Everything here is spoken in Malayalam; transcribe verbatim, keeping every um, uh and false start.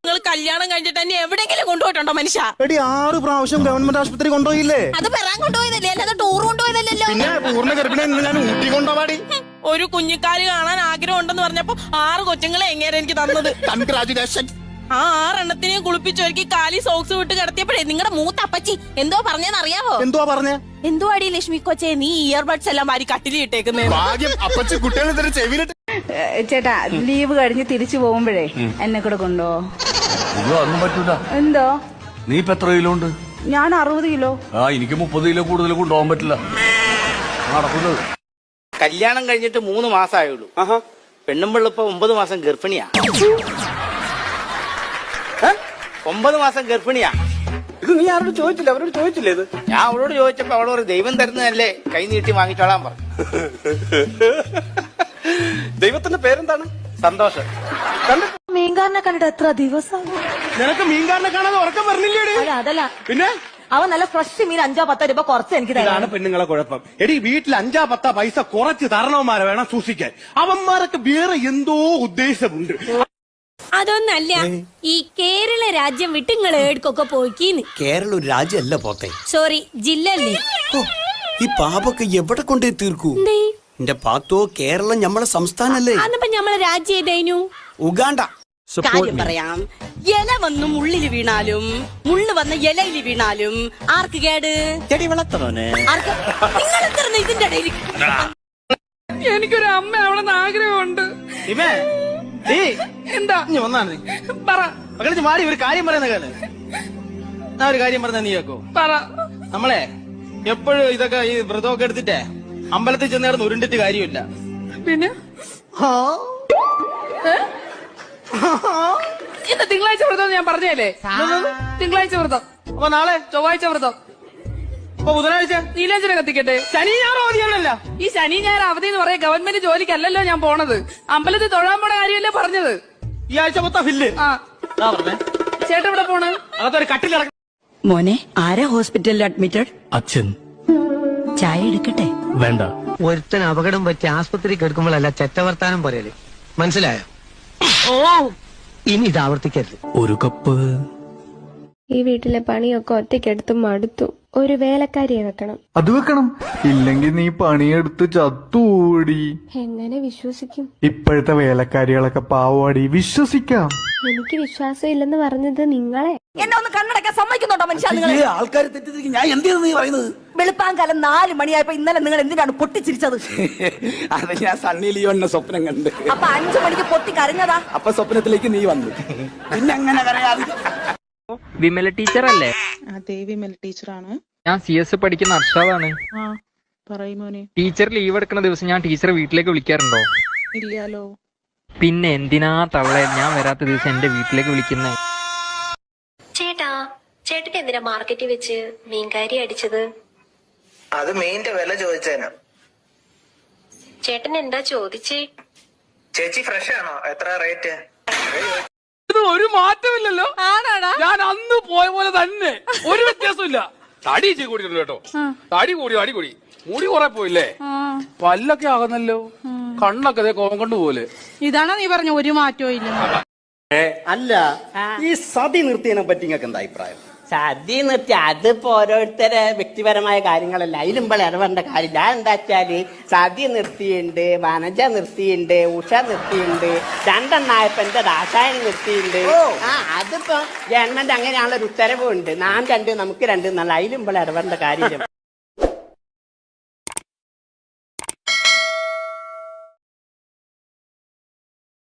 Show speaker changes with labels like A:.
A: നിങ്ങൾ കല്യാണം കഴിഞ്ഞിട്ട് തന്നെ എവിടെയെങ്കിലും കൊണ്ടുപോയിട്ടുണ്ടോ മനുഷ്യ?
B: എടി ആറ് പ്രാവശ്യം ഗവൺമെന്റ് ആശുപത്രി കൊണ്ടുപോയില്ലേ?
A: അത് പെറാൻ കൊണ്ടുപോയതല്ലേ, അല്ലാതെ ടൂർ കൊണ്ടുപോയതല്ലോ.
B: പിന്നെ പൂർണ്ണ ഗർഭിണി ഞാൻ ഊട്ടി കൊണ്ടുപോവാടി.
A: ഒരു കുഞ്ഞിക്കാല് കാണാൻ ആഗ്രഹം ഉണ്ടെന്ന് പറഞ്ഞപ്പോ ആറ് കൊച്ചുങ്ങളെ എങ്ങനെ എനിക്ക് തന്നത്.
B: കൺഗ്രാജുലേഷൻ.
A: ആ ആറെണ്ണത്തിനെയും കുളിപ്പിച്ചൊരുക്കി കാലി സോക്സ് വിട്ട് കിടത്തിയപ്പോഴേ നിങ്ങളുടെ മൂത്ത അപ്പച്ചി എന്തോ പറഞ്ഞെന്ന് അറിയാവോ?
B: എന്തുവാ പറഞ്ഞേ?
A: എന്തോ അടി ലക്ഷ്മി കൊച്ചേ, നീ ഇയർബഡ്സ് എല്ലാം വാരി കട്ടിലിട്ടേക്കുന്നേ.
B: ഭാഗ്യം അപ്പച്ചി കുട്ടികളെ ചെവിയിലിട്ട്.
C: ചേട്ടാ ലീവ് കഴിഞ്ഞ് തിരിച്ചു പോകുമ്പോഴേ എന്നെ കൂടെ കൊണ്ടോ?
D: ഒന്നും പറ്റൂല.
C: എന്തോ?
D: നീ ഇപ്പൊ എത്ര കിലോ ഉണ്ട്?
C: ഞാൻ അറുപത് കിലോ.
D: ആ എനിക്ക് മുപ്പത് കിലോ കൂടുതൽ കൊണ്ടുപോകാൻ പറ്റില്ല, നടക്കുന്നത്.
E: കല്യാണം കഴിഞ്ഞിട്ട് മൂന്ന് മാസമായുള്ളൂ. പെണ്ണുമ്പിള്ള ഇപ്പൊ ഒമ്പത് മാസം ഗർഭിണിയാ. ഒമ്പത് മാസം ഗർഭിണിയാ.
F: ഇത് നീ ആരോട് ചോദിച്ചില്ല? അവരോട് ചോദിച്ചില്ലേ ഇത്?
E: ഞാൻ അവളോട് ചോദിച്ചപ്പോ അവളോട് ദൈവം തരുന്നതല്ലേ, കൈ നീട്ടി വാങ്ങിച്ചോളാൻ പറഞ്ഞു.
F: ദൈവത്തിന്റെ പേരെന്താണ്?
E: സന്തോഷം.
G: മീൻകാരനെ കണ്ടിട്ട് എത്ര ദിവസം?
F: നിനക്ക് മീൻകാരനെ കാണാതെ ഉറക്കം പറഞ്ഞില്ലേടി?
G: അല്ല അതല്ല,
F: പിന്നെ
G: അവൻ നല്ല ഫ്രഷ് മീൻ അഞ്ചോ പത്തോ രൂപ കുറച്ച് എനിക്ക്
F: ഇതാണ്
G: തരാണ്.
F: പെണ്ണുങ്ങളെ കുഴപ്പം. എടി വീട്ടിൽ അഞ്ചാ പത്താ പൈസ കുറച്ച് തരണവന്മാരെ വേണം സൂക്ഷിക്കാൻ. അവന്മാരൊക്കെ വേറെ എന്തോ ഉദ്ദേശമുണ്ട്.
H: അതൊന്നല്ല, ഈ കേരള രാജ്യം വിട്ട് നിങ്ങൾ ഏടുക്കൊക്കെ പോയിക്കീന്ന്.
I: കേരള ഒരു രാജ്യമല്ല പോത്തെ,
H: സോറി ജില്ല അല്ലേ.
I: ഈ പാപൊക്കെ എവിടെ കൊണ്ടേ തീർക്കൂ? എന്റെ പാത്തോ, കേരളം ഞമ്മളെ സംസ്ഥാനല്ലേ?
H: അന്നിപ്പോ ഞമ്മളെ രാജ്യം ഏതായിരുന്നു?
I: ഉഗാണ്ട.
A: കാര്യം പറയാം, ഇല വന്ന് മുള്ളില് വീണാലും മുള്ളു വന്ന ഇലയില് വീണാലും ആർക്ക് കേട്?
E: ചെടി വളർത്തണോനെ.
A: ആർക്ക്? നിങ്ങൾ എന്തിരുന്ന് ഇതിന്റെ ഇടയിൽ?
C: എനിക്കൊരു അമ്മ അവളെന്ന് ആഗ്രഹമുണ്ട്.
F: ഇവേ എന്താ നീ വന്നാണ് പറ മകളെ മാറി ഒരു കാര്യം പറയുന്ന കാല്. ഞാൻ ഒരു കാര്യം പറഞ്ഞ നീ കേക്കോ? പറ. നമ്മളെ എപ്പോഴും ഇതൊക്കെ ഈ വ്രതമൊക്കെ എടുത്തിട്ടേ അമ്പലത്തിൽ ചെന്നേർന്ന് ഉരുണ്ടിട്ട് കാര്യമില്ല. പിന്നെ
C: ഇന്ന് തിങ്കളാഴ്ച വ്രതം ഞാൻ പറഞ്ഞല്ലേ? തിങ്കളാഴ്ച വ്രതം.
F: അപ്പൊ നാളെ
C: ചൊവ്വാഴ്ച വ്രതം.
F: അപ്പൊ ബുധനാഴ്ച
C: നീലാഞ്ചന കത്തിക്കട്ടെ.
F: ശനി ഞായർ അവധിയാണല്ലോ.
C: ഈ ശനി ഞായർ അവധി എന്ന് പറയാം, ഗവൺമെന്റ് ജോലിക്കല്ലല്ലോ ഞാൻ പോണത്. അമ്പലത്തിൽ തൊഴാൻ പോണ കാര്യമല്ലേ പറഞ്ഞത്.
F: ഈ ആഴ്ച മൊത്തം ഫില്ല്.
C: ആ
F: പറഞ്ഞേ
C: ചേട്ടൻ ഇവിടെ പോണ്.
F: അതൊരു കട്ടിലിറങ്ങി.
G: മോനെ, ആരാ ഹോസ്പിറ്റലിൽ അഡ്മിറ്റഡ്?
D: അച്ഛൻ.
G: ചായ എടുക്കട്ടെ?
D: വേണ്ട.
J: ഒരുത്തൻ അപകടം പറ്റി ആസ്പത്രി കിടക്കുമ്പോഴല്ല ചെറ്റവർത്താനം പറയല്, മനസ്സിലായോ?
C: ഓ
J: ഇനി ഇത് ആവർത്തിക്കരുത്.
D: ഒരു കപ്പ്.
H: ഈ വീട്ടിലെ പണിയൊക്കെ ഒറ്റയ്ക്കെടുത്ത് മടുത്തു. ഒരു വേലക്കാരിയെ വെക്കണം.
B: അത് വെക്കണം, ഇല്ലെങ്കിൽ നീ പണിയെടുത്ത് ചത്തൂടി.
H: എങ്ങനെ വിശ്വസിക്കും?
B: ഇപ്പോഴത്തെ വേലക്കാരികളൊക്കെ പാവാടി, വിശ്വസിക്കാം.
H: എനിക്ക് വിശ്വാസം ഇല്ലെന്ന് പറഞ്ഞത് നിങ്ങളെ.
G: എന്നെ ഒന്ന് കണ്ണടക്കാൻ സമ്മതിക്കുന്നുണ്ടോ മനുഷ്യ? നിങ്ങൾ
I: ആൾക്കാർ തെറ്റിദ്ധരിക്കും. ഞാൻ എന്തിനാ നീ പറയുന്നത്?
G: വെളുപ്പാങ്കാലം നാല് മണിയായപ്പോ ഇന്നലെ നിങ്ങൾ എന്തിനാണ് പൊട്ടിച്ചിരിച്ചത്?
I: അത് ഞാൻ സണ്ണി ലിയോന്റെ സ്വപ്നം കണ്ട്.
G: അപ്പൊ അഞ്ചു മണിക്ക് പൊട്ടി കരഞ്ഞതാ?
I: അപ്പൊ സ്വപ്നത്തിലേക്ക് നീ വന്നു, പിന്നെ അങ്ങനെ കരയാതെ.
K: വിമല ടീച്ചർ അല്ലേ?
C: അതെ, വിമല ടീച്ചറാണ്.
K: ഞാൻ സി എസ് പഠിക്കുന്ന അർഷാദാണ്.
C: പറയുമോനെ.
K: ടീച്ചർ ലീവ് എടുക്കുന്ന ദിവസം ഞാൻ ടീച്ചറെ വീട്ടിലേക്ക് വിളിക്കാറുണ്ടോ?
C: ഇല്ലാലോ.
K: പിന്നെ എന്തിനാ തള്ളേ ഞാൻ വരാത്ത ദിവസം എന്റെ വീട്ടിലേക്ക് വിളിക്കുന്നേ?
H: ചേട്ടാ, ചേട്ടൻ എന്തിനാ മാർക്കറ്റിൽ വെച്ച് മീൻകാരി അടിച്ചത്?
J: അത് മീനിന്റെ വില ചോദിച്ചേനാ.
H: ചേട്ടൻ എന്താ ചോദിച്ചേ?
J: ചേച്ചി ഫ്രഷ് ആണോ? എത്ര റേറ്റ്?
F: ഇത് ഒരു മാറ്റമില്ലല്ലോ. ഞാൻ അന്ന് പോയ പോലെ തന്നെ, ഒരു വ്യത്യാസമില്ല. തടി ഇച്ചിരി കൂടിയിട്ടുണ്ട് കേട്ടോ. തടി കൂടി തടി കൂടി മുടി കുറെ പോയില്ലേ? പല്ലൊക്കെ ആകുന്നല്ലോ, കണ്ണൊക്കെ അതേ കോപം കൊണ്ടുപോലെ.
C: ഇതാണോ നീ പറഞ്ഞ ഒരു മാറ്റവും ഇല്ല?
E: അല്ല, ഈ സതി നിർത്തിയതിനെ പറ്റി നിങ്ങൾക്ക് എന്താ അഭിപ്രായം?
J: സദ്യ നിർത്തി അതിപ്പോ ഓരോരുത്തരെ വ്യക്തിപരമായ കാര്യങ്ങളല്ല, അതിലുമ്പോൾ ഇടപെടേണ്ട കാര്യമില്ല. എന്താ വെച്ചാല് സദ്യ നിർത്തിയുണ്ട്, വനജ നിർത്തിയുണ്ട്, ഉഷ നിർത്തിയുണ്ട്, രണ്ടെണ്ണായപ്പോ എന്റെ രാസായനം നിർത്തിയുണ്ട്. ആ അതിപ്പോ ഗവൺമെന്റ് അങ്ങനെയാണല്ലോ ഒരു ഉത്തരവുണ്ട്. നാം രണ്ട് നമുക്ക് രണ്ട് എന്നല്ല, അതിലുമ്പോൾ ഇടപെടേണ്ട കാര്യമില്ല.